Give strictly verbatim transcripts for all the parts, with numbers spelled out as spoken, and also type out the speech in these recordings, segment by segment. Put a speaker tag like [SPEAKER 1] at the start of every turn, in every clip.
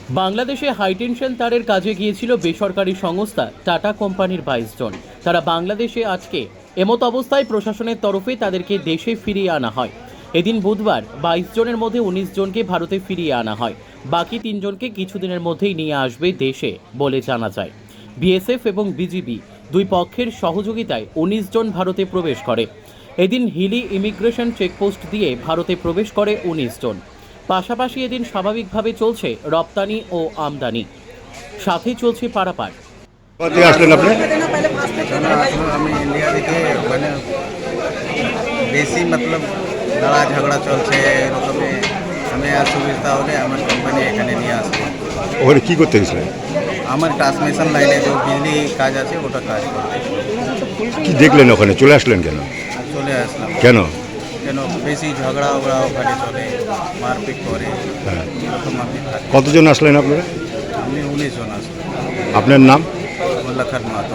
[SPEAKER 1] বাংলাদেশে হাইটেনশন তারের কাজে গিয়েছিল বেসরকারি সংস্থা টাটা কোম্পানির বাইশ জন। তারা বাংলাদেশে আজকে এমত অবস্থায় প্রশাসনের তরফে তাদেরকে দেশে ফিরিয়ে আনা হয়। এদিন বুধবার বাইশ জনের মধ্যে উনিশ জনকে ভারতে ফিরিয়ে আনা হয়। বাকি তিনজনকে কিছুদিনের মধ্যেই নিয়ে আসবে দেশে বলে জানা যায়। বিএসএফ এবং বিজিবি দুই পক্ষের সহযোগিতায় উনিশ জন ভারতে প্রবেশ করে। এদিন হিলি ইমিগ্রেশন চেকপোস্ট দিয়ে ভারতে প্রবেশ করে উনিশ জন। পাশাপাশি এদিন স্বাভাবিকভাবে চলছে রপ্তানি ও আমদানি, সাথে চলছে পারাপার।
[SPEAKER 2] কোথা থেকে আসলেন আপনি?
[SPEAKER 3] আমি ইন্ডিয়া থেকে মানে বেশি মতলব লড়া ঝগড়া চলছে এরকমে আমি আর সুবিধা হলে আমার কোম্পানি এখানে নিয়ে আসবে।
[SPEAKER 2] ওখানে কী করতে গেছিলেন?
[SPEAKER 3] আমার ট্রান্সমিশন লাইনে যে বিজলি কাজ আছে ওটা কাজ করতে
[SPEAKER 2] কি দেখলেন ওখানে? চলে আসলেন কেন?
[SPEAKER 3] চলে আসলাম।
[SPEAKER 2] কেন?
[SPEAKER 3] কেন বেশি ঝগড়া ওগড়া ওখানে চলে, মারপিট করে
[SPEAKER 2] হ্যাঁ।
[SPEAKER 3] এরকম আমি থাকি।
[SPEAKER 2] কতজন আসলেন আপনারা?
[SPEAKER 3] আমি উনিশ জন আসলাম।
[SPEAKER 2] আপনার নাম?
[SPEAKER 3] Lakhan Mato.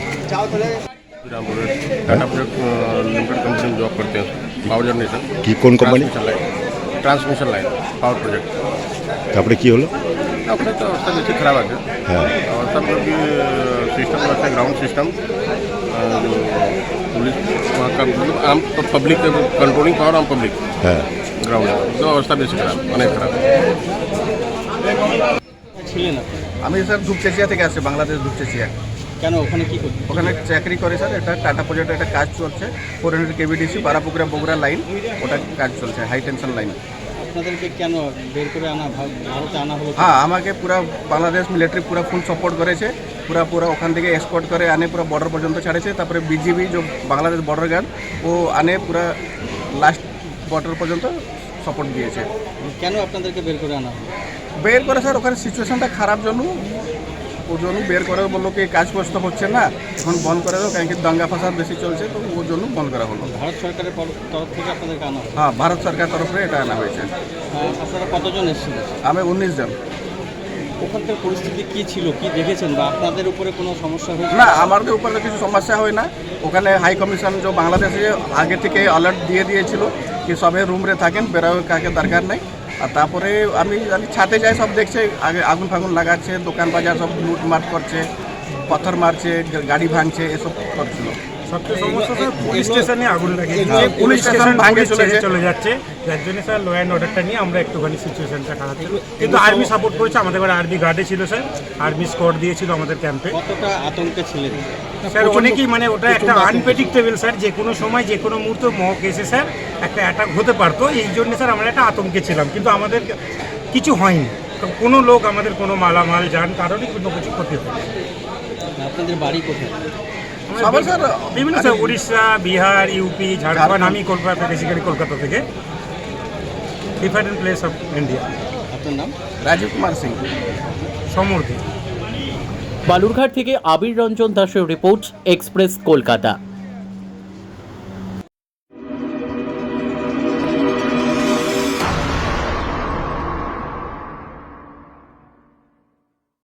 [SPEAKER 4] Tata project limited company में जॉब करते हैं, पावर जनरेशन
[SPEAKER 2] কি কোন company?
[SPEAKER 4] Transmission line power project.
[SPEAKER 2] তারপরে কি হলো?
[SPEAKER 4] अपने तो अवस्था जैसे खराब है
[SPEAKER 2] হ্যাঁ।
[SPEAKER 4] और सब लोग की सिस्टम रहता है, ग्राउंड सिस्टम जो पुलिस वहाँ का मतलब आम पब्लिक कंट्रोलिंग पावर आम पब्लिक
[SPEAKER 2] হ্যাঁ।
[SPEAKER 4] ग्राउंड जो अवस्था बेसी खराब अनेक खराब।
[SPEAKER 1] ছিলেন আপনি?
[SPEAKER 3] আমি স্যার ধূপচেচিয়া থেকে আসছি, বাংলাদেশ ধূপচেচিয়া।
[SPEAKER 1] কেন ওখানে কি করতে?
[SPEAKER 3] ওখানে চাকরি করে স্যার, এটা টাটা প্রজেক্টের একটা কাজ চলছে, four hundred KBDC Barapukuria Bogura line, ওটা কাজ চলছে হাই টেনশন লাইন।
[SPEAKER 1] আপনাদেরকে কেন বের করে আনা ভারতে আনা হলো?
[SPEAKER 3] হ্যাঁ, আমাকে পুরা বাংলাদেশ মিলিটারি পুরা ফুল সাপোর্ট করেছে, পুরা পুরা ওখান থেকে এসকর্ট করে আনে পুরো বর্ডার পর্যন্ত ছাড়েছে। তারপরে বিজিবি যে বাংলাদেশ বর্ডার গার্ড ও আনে পুরা লাস্ট বর্ডার পর্যন্ত সাপোর্ট দিয়েছে।
[SPEAKER 1] কেন আপনাদেরকে বের করে আনা হলো?
[SPEAKER 3] বের করে স্যার ওখানে সিচুয়েশনটা খারাপ জন্য ওর জন্য বের করে বললো কি কাজ কষ্ট হচ্ছে না, এখন বন্ধ করে দাও, কারণ কি দাঙ্গা ফাসাদ বেশি চলছে, তো ওর জন্য বন্ধ করা হলো।
[SPEAKER 1] ভারত সরকারের তরফ থেকে আপনাদেরকে আনা হলো?
[SPEAKER 3] হ্যাঁ, ভারত সরকার তরফে এটা আনা হয়েছে।
[SPEAKER 1] আপনারা কতজন এসেছিলেন?
[SPEAKER 3] আমি উনিশ জন।
[SPEAKER 1] ওখানকার পরিস্থিতি কি ছিল, কি দেখেছেন, বা আপনাদের উপরে কোনো সমস্যা হয়েছে?
[SPEAKER 3] না, আমাদের উপরে কিছু সমস্যা হয় না। ওখানে হাই কমিশন যে বাংলাদেশে আগে থেকে অ্যালার্ট দিয়ে দিয়েছিল কি সবাই রুমরে থাকেন, বেরোয় কাকে দরকার নেই। আর তারপরে আমি আমি ছাদে যাই, সব দেখছে আগে আগুন ফাগুন লাগাচ্ছে, দোকান বাজার সব লুটমাট করছে, পাথর মারছে, গাড়ি ভাঙছে, এসব করছিল।
[SPEAKER 5] সবচেয়ে সমস্যা স্যার পুলিশ স্টেশনে আগুন লাগিয়েছে,
[SPEAKER 3] পুলিশ স্টেশন ভাঙে চলে
[SPEAKER 5] ছেড়ে চলে যাচ্ছে, যার জন্য স্যার ল অ্যান্ড অর্ডারটা নিয়ে আমরা একটুখানি সিচুয়েশনটা খারাপ ছিল। কিন্তু আর্মি সাপোর্ট করেছে, আমাদের এবার আর্মি গার্ডে ছিল স্যার, আর্মি স্কোয়াড দিয়েছিল আমাদের ক্যাম্পে।
[SPEAKER 1] কতটা আতঙ্কে ছিলেন
[SPEAKER 5] স্যার অনেকেই, মানে ওটা একটা আনপ্রেডিক্টেবল স্যার, যে কোনো সময় যে কোনো মুহূর্তে মক এসে স্যার একটা অ্যাটাক হতে পারতো, এই জন্য স্যার আমরা একটা আতঙ্কে ছিলাম। কিন্তু আমাদের কিছু হয়নি, কোনো লোক আমাদের কোনো মালামাল যান কারণে কোনো কিছু ক্ষতি হয়নি।
[SPEAKER 1] আপনাদের বাড়ি কোথায়?
[SPEAKER 3] সবার স্যার
[SPEAKER 5] বিভিন্ন স্যার উড়িষ্যা, বিহার, ইউপি, ঝাড়খণ্ড। আমি কলকাতা, বেসিক্যালি কলকাতা থেকে, ডিফারেন্ট প্লেস অফ ইন্ডিয়া।
[SPEAKER 1] আপনার নাম?
[SPEAKER 3] রাজীব কুমার সিং,
[SPEAKER 5] সমর্থী।
[SPEAKER 1] বালুরঘাট থেকে আবির রঞ্জন দাসের রিপোর্ট, এক্সপ্রেস কলকাতা।